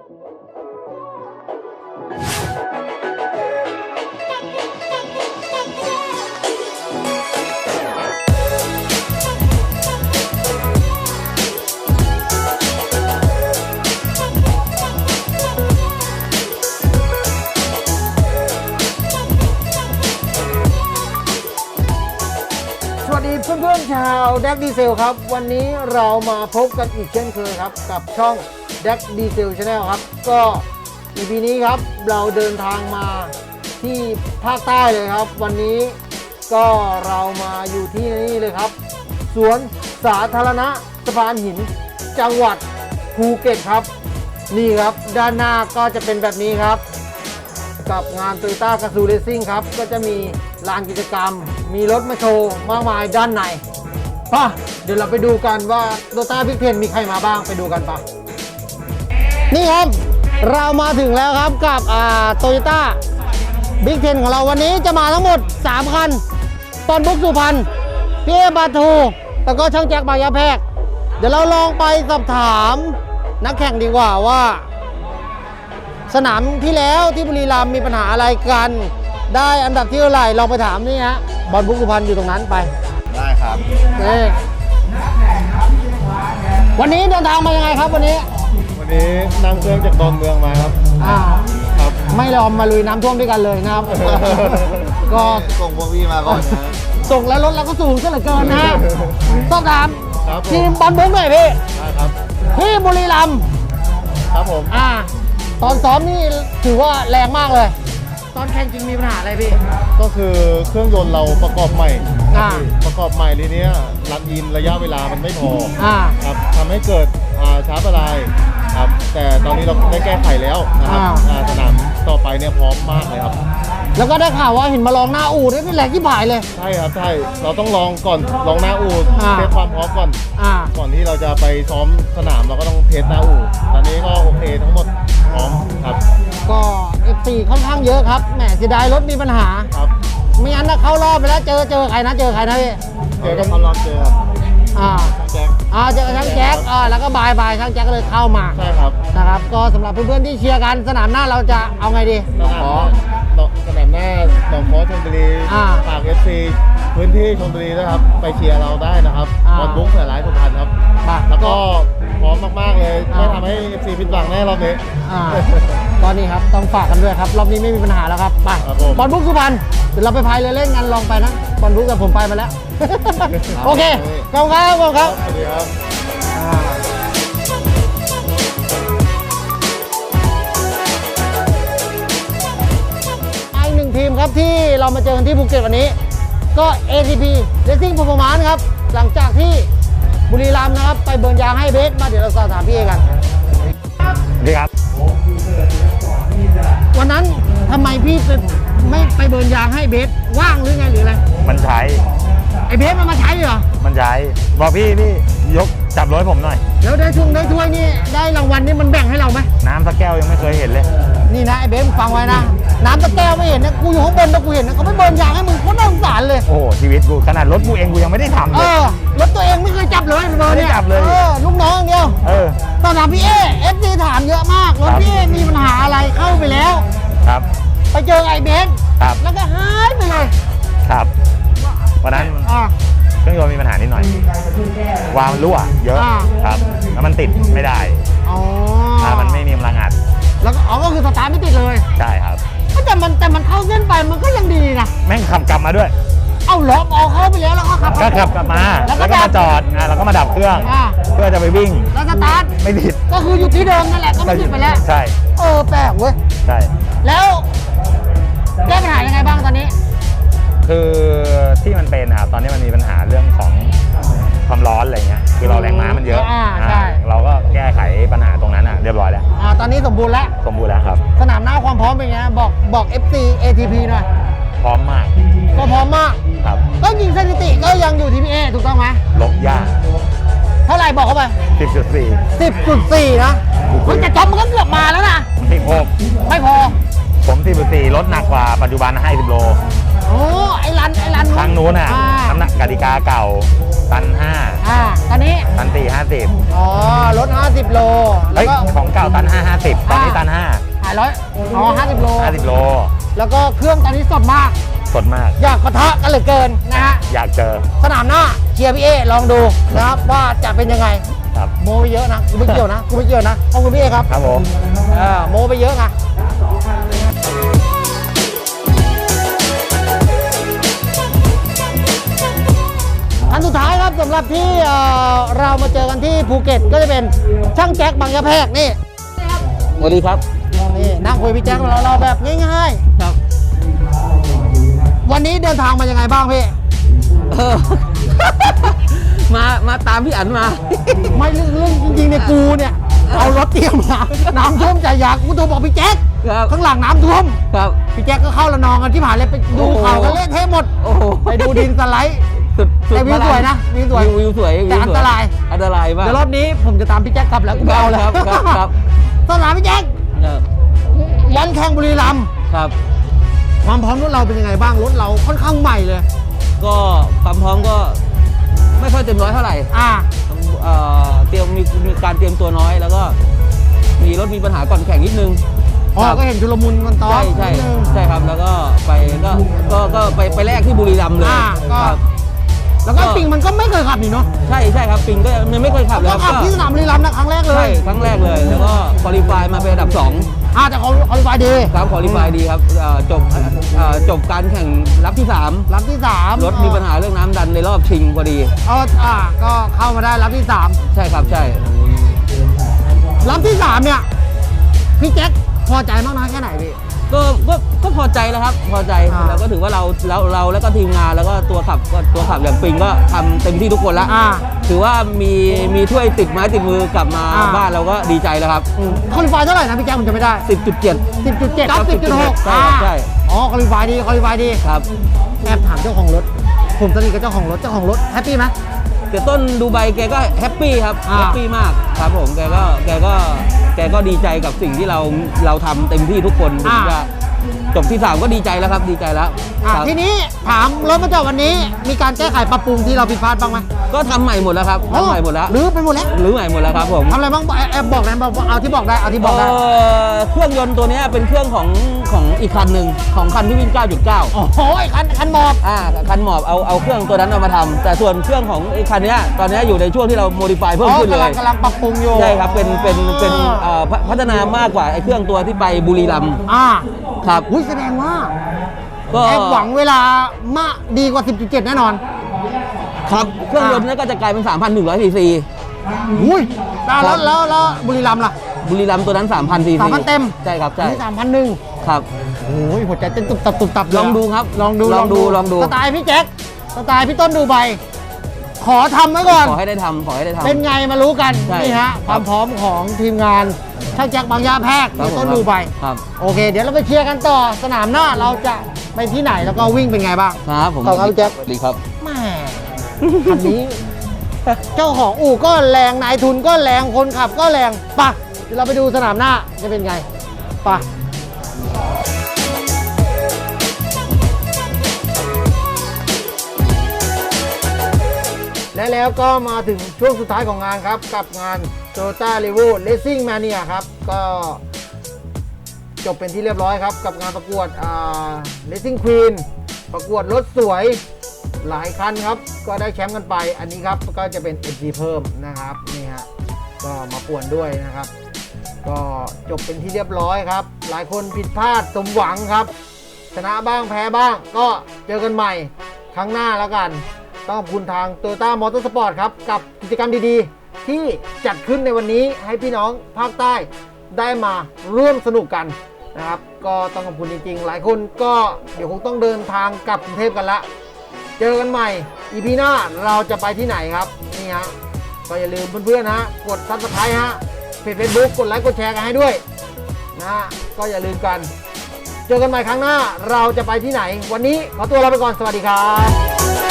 เพื่อนๆชาวแดกดีเซลครับวันนี้เรามาพบกันอีกเช่นเคยครับกับช่องแดกดีเซลชาแนลครับก็ EP นี้ครับเราเดินทางมาที่ภาคใต้เลยครับวันนี้ก็เรามาอยู่ที่นี่เลยครับสวนสาธารณะสะพานหินจังหวัดภูเก็ตครับนี่ครับด้านหน้าก็จะเป็นแบบนี้ครับกับงาน Toyota Gazoo Racing ครับก็จะมีลานกิจกรรมมีรถมาโชว์มากมายด้านในป่ะเดี๋ยวเราไปดูกันว่า Toyota Big 10มีใครมาบ้างไปดูกันป่ะนี่ครับเรามาถึงแล้วครับกับToyota Big 10ของเราวันนี้จะมาทั้งหมด3คันตอนบุ๊กสุพรรณพี่เอบาทูแล้วก็ช่างแจ็คบายาแพรกเดี๋ยวเราลองไปสอบถามนักแข่งดีกว่าว่าสนามที่แล้วที่บุรีรัมย์มีปัญหาอะไรกันได้อันดับที่เท่าไหร่ลองไปถามนี่ฮะบอลบุ๊กสุพรรณอยู่ตรงนั้นไปได้ครับวันนี้เดินทางมายังไงครับวันนี้นั่งเครื่องจากดอนเมืองมาครับครับไม่ยอมมาลุยน้ำท่วมด้วยกันเลยนะครับ ก็ส่งพวกพี่มาก่อนนะส่งแล้วรถเราก็สูงซะเหลือเกินนะต้องถามทีมบอลบุ๊กหน่อยพี่ครับที่บุรีรัมย์ครับผมตอนซ้อมนี่ถือว่าแรงมากเลยตอนแข่งจริงมีปัญหาอะไรพี่ก็คือเครื่องยนต์เราประกอบใหม่ทีนี้รันอินระยะเวลามันไม่พอครับทำให้เกิดช้าประลายครับแต่ตอนนี้เราได้แก้ไขแล้วนะครับสนามต่อไปเนี่ยพร้อมมากเลยครับแล้วก็ได้ข่าวว่าเห็นมาลองหน้าอู่นี่แหลกที่ผายเลยใช่ครับใช่เราต้องลองก่อนลองหน้าอู่เทสความพร้อมก่อนที่เราจะไปซ้อมสนามเราก็ต้องเทสหน้าอู่ตอนนี้ก็โอเคทั้งหมดพร้อมครับก็ F4 ค่อนข้างเยอะครับแหมเสียดายรถมีปัญหาครับไม่งั้นเข้ารอบไปแล้วเจอใครนะพี่เจอกันเขารอบเจอครับช่างแจ็คเจอช่างแจ็คแล้วก็บายช่างแจ็คก็เลยเข้ามาใช่ครับนะครับก็สำหรับเพื่อนๆที่เชียร์กันสนามหน้าเราจะเอาไงดีสนามหน้าหนองค้อชลบุรีฝาก FC พื้นที่ชลบุรีนะครับไปเชียร์เราได้นะครับบอลบุ๊กสายร้ายสุพรรณครับแล้วก็พร้อมมากๆเลยไม่ทำให้ FC ผิดหวังแน่รอบนี้ตอนนี้ครับต้องฝากกันด้วยครับรอบนี้ไม่มีปัญหาแล้วครับไปบอลบุ๊กสุพรรณเดี๋ยวเราไปพายเรือเล่นกันลองไปนะบอลบุ๊กกับผมไปมาแล้วโอเคขอบคุณครับสวัสดีครับอีกหนึ่งทีมครับที่เรามาเจอกันที่ภูเก็ตวันนี้ก็ ATP Racing Performance ครับหลังจากที่บุรีรัมย์นะครับไปเบิร์นยางให้เบสมาเดี๋ยวเราสอบถามพี่เอกันดีครับวันนั้นทำไมพี่ไม่ไปเบิร์นยางให้เบสว่างหรือไงหรืออะไรมันใช้ไอเบสมันมาใช้เหรอมันใช้บอกพี่ยกจับรถผมหน่อยแล้วได้ถ้วยนี่ได้รางวัลนี่มันแบ่งให้เราไหมน้ำสักแก้วยังไม่เคยเห็นเลยนี่นะไอเบสฟังไว้นะน้ำสักแก้วไม่เห็นนะกูอยู่ข้างบนแล้วกูเห็นนะเขาไม่เบิร์นยางให้มึงโคตรน่าสงสารเลยโอ้ชีวิตกูขนาดรถกูเองกูยังไม่ได้ทำเลยรถตัวเองไม่เคยจับเลยเบอร์เนี่ยจับเลยลูกน้องเดียวตอนถามพี่เอฟซีถามเยอะมากรถพี่มีปัญหาอะไรเข้าไปแล้วครับไปเจอไอเบสแล้วก็หายไปเลยครับวันนั้นเครื่องยนต์มีปัญหานิดหน่อยวาล์วรั่วเยอะครับแล้วมันติดไม่ได้ถ้ามันไม่มีกำลังอัดแล้วก็คือสตาร์ทไม่ติดเลยใช่ครับแต่มันเข้าเส้นไปมันก็ยังดีนะแม่งขับกลับมาด้วยเอาล้อเอาเข้าไปแล้วก็ขับกลับมาแล้วก็มาจอดแล้วก็มาดับเครื่องเพื่อจะไปวิ่งแล้วสตาร์ทไม่ติดก็คืออยู่ที่เดิมนั่นแหละก็ไม่ติดไปแล้วใช่แปลกเว้ยใช่แล้วแก้ปัญหายังไงบ้างตอนนี้คือที่มันเป็นครับตอนนี้มันมีปัญหาเรื่องของความร้อนอะไรเงี้ยคือเราแรงม้ามันเยอะใช่เราก็แก้ไขปัญหาตรงนั้นเรียบร้อยแล้วตอนนี้สมบูรณ์แล้วครับสนามหน้าความพร้อมเป็นไงบอก FC ATP หน่อยพร้อมมากก็พร้อมมากครับก็ยิงสถิติก็ยังอยู่ TPA ถูกต้องไหมลบยากเท่าไหร่บอกเข้าไป 10.4 นะคุณจะจบมันก็เกือบมาแล้วนะ 16 ไม่พอผม10.4ลดหนักกว่าปัจจุบัน50 โลโอ้ไอ้รันครั้งนู้นน่ะน้ำหนักกติกาเก่าตันตอนนี้ 5ตัน4 50 อ๋อลด50 โลแล้เฮ้วย ก็ของเก่าตัน5 50ตอนนี้ตันหายร้อยอ๋อ50 โล 5 50 โลแล้วก็เครื่องตอนนี้สดมากสดมากอยากปะทะกันเหลือเกินนะฮะอยากเจอสนามหน้าเชียร์พี่เอลองดูนะครับว่าจะเป็นยังไงครับโมไปเยอะนะกูไม่เกี่ยวนะขอบคุณพี่เอครับครับผมโมไปเยอะนะอันสุดท้ายครับสำหรับที่เรามาเจอกันที่ภูเก็ตก็จะเป็นช่างแจ็คบางยะแพรกนี่สวัสดีครับนี่นั่งคุยพี่แจ็คเราแบบง่ายครับๆ วันนี้เดินทางมายังไงบ้างพี่มาตามพี่อั๋นมาไม่เรื่องจริงๆเนี่ยกูเนี่ยเอารถเตรียมมาน้ำท่วมใจอยากกูโทรบอกพี่แจ็คครับข้างหลังน้ำท่วมครับพี่แจ็คก็เข้าละนองกันที่ผ่านเลยไปดูโอ้โหข่าวกันเละเทะหมดโอ้โหไปดูดินสไลด์สุดแต่วิวพลังสวยนะวิวสวยวิวสวยแต่อันตรายอันตรายมากเดี๋ยวรอบนี้ผมจะตามพี่แจ็คกลับแล้วกูไม่เอาแล้วครับสนามพี่แจ็คครับวันแข่งบุรีรัมย์ครับความพร้อมรถเราเป็นยังไงบ้างรถเราค่อนข้างใหม่เลยก็ความพร้อมก็ไม่ค่อยเต็มร้อยเท่าไหร่ เตรียมมีการเตรียมตัวน้อย แล้วก็มีรถมีปัญหาก่อนแข่งนิดนึงอ๋อครับก็เห็นชุลมุนกันตอนใช่ครับแล้วก็ไปแรกที่บุรีรัมย์เลยก็ครับแล้วก็ปิงมันก็ไม่เคยขับนี่เนาะใช่ครับปิงก็ยังไม่เคยขับเลยก็คขัรับบ ที่สนามบุรีรัมย์นะครั้งแรกเลใช่ยครั้งแรกเลย แล้วก็คุริฟายมาเป็นอันดับ 2 แต่เขาไฟดีครับคุริฟายดีครับจบการแข่งรับที่ 3 รับที่3 รถมีปัญหาเรื่องน้ำดันในรอบชิงพอดีก็เข้ามาได้รับที่ใช่ครับใช่ 3รับที่ 3เนี่ยพี่แจ็คพอใจมากน้อยแค่ไหนพี่ก็พอใจแล้วครับ พอใจ แล้วก็ถือว่าเราแล้วก็ทีมงานแล้วก็ตัวขับอย่างปิงก็ทำเต็มที่ทุกคนแล้ว ถือว่ามีถ้วยติดไม้ติดมือกลับมาบ้านเราก็ดีใจแล้วครับคอลิฟายเท่าไหร่นะพี่แจ็คผมจะไม่ได้ 10.7 10.7 ครับ 10.6 ใช่อ๋อคอลิฟายดีครับแอบถามเจ้าของรถ ผมสนิทกับเจ้าของรถแฮปปี้ไหมแต่ต้นดูไบแกก็แฮปปี้ครับอ่าแฮปปี้มากครับผมแกก็ดีใจกับสิ่งที่เราทำเต็มที่ทุกคนถึงจะจบที่ 3 ก็ดีใจแล้วครับดีใจแล้วครับทีนี้ถามรถมาจอดวันนี้มีการแก้ไขปรับปรุงที่เราผิดพลาดบ้างไหมก็ทำใหม่หมดแล้วครับทำใหม่หมดแล้วหรือไปหมดแล้วหรือใหม่หมดแล้วครับผมทำอะไรบ้างแอบบอกได้บอกเอาที่บอกได้เครื่องยนต์ตัวนี้เป็นเครื่องของอีกคันหนึ่งของคันที่วิ่ง 9.9 โอ้โหไอ้คันหมอบคันหมอบเอาเครื่องตัวนั้นเอามาทำแต่ส่วนเครื่องของไอ้คันนี้ตอนนี้อยู่ในช่วงที่เราโมดิฟายเพิ่มขึ้นเลยกำลังปรับปรุงอยู่ใช่ครับเป็นพัฒนามากกว่าไอ้เครื่องตัวที่ไปบุรีรัมย์ครับแสดงว่าก็แอบหวังเวลามาดีกว่า 10.7 แน่นอนครับเครื่องยนต์นั้นก็จะกลายเป็น 3,100 ซีซีอุ้ยแล้วบุรีรัมย์ล่ะบุรีรัมย์ตัวนั้น 3,000 ซีซี 3,000เต็มใช่ครับใช่นี่3,100 ครับโอ้ยหัวใจเต้นตุบตับเลยลองดูครับลองดูสสไตล์พี่แจ็คสไตล์พี่ต้นดูใบขอทำไว้ก่อนขอให้ได้ทำเป็นไงมารู้กันใช่นี่ฮะความพร้อมของทีมงานช่างแจ็คบางยาแพรกครับพี่ต้นผมดูใบครับโอเค เดี๋ยวเราไปเชียร์กันต่อสนามหน้าเราจะไปที่ไหนแล้วก็วิ่งเป็นไงบ้างครับผมขอบคุณครับแจ็คสวัสดีครับแหม่คันนี้ เจ้าของอู่ก็แรงนายทุนก็แรงคนขับก็แรงปะเดี๋ยวเราไปดูสนามหน้าจะเป็นไงปะและแล้วก็มาถึงช่วงสุดท้ายของงานครับ กับงาน Toyota Revo Racing Mania ครับ ก็จบเป็นที่เรียบร้อยครับ กับงานประกวดRacing Queen ประกวดรถสวยหลายคันครับ ก็ได้แชมป์กันไปอันนี้ครับก็จะเป็น MG เพิ่มนะครับนี่ฮะก็มาป่วนด้วยนะครับ ก็จบเป็นที่เรียบร้อยครับ หลายคนผิดพลาดสมหวังครับ ชนะบ้างแพ้บ้างก็เจอกันใหม่ครั้งหน้าแล้วกัน ต้องขอบคุณทาง Toyota Motorsport ครับกับกิจกรรมดีๆ ที่จัดขึ้นในวันนี้ให้พี่น้องภาคใต้ได้มาร่วมสนุกกันนะครับ ก็ต้องขอบคุณจริงๆ หลายคนก็เดี๋ยวคงต้องเดินทางกลับกรุงเทพกันละเจอกันใหม่ EP หน้าเราจะไปที่ไหนครับนี่ฮะก็อย่าลืมเพื่อนๆนะกด Subscribe ฮะเพจ Facebook กดไลค์กดแชร์กันให้ด้วยนะก็อย่าลืมกัน เจอกันใหม่ครั้งหน้าเราจะไปที่ไหนวันนี้ขอตัวลาไปก่อนสวัสดีครับ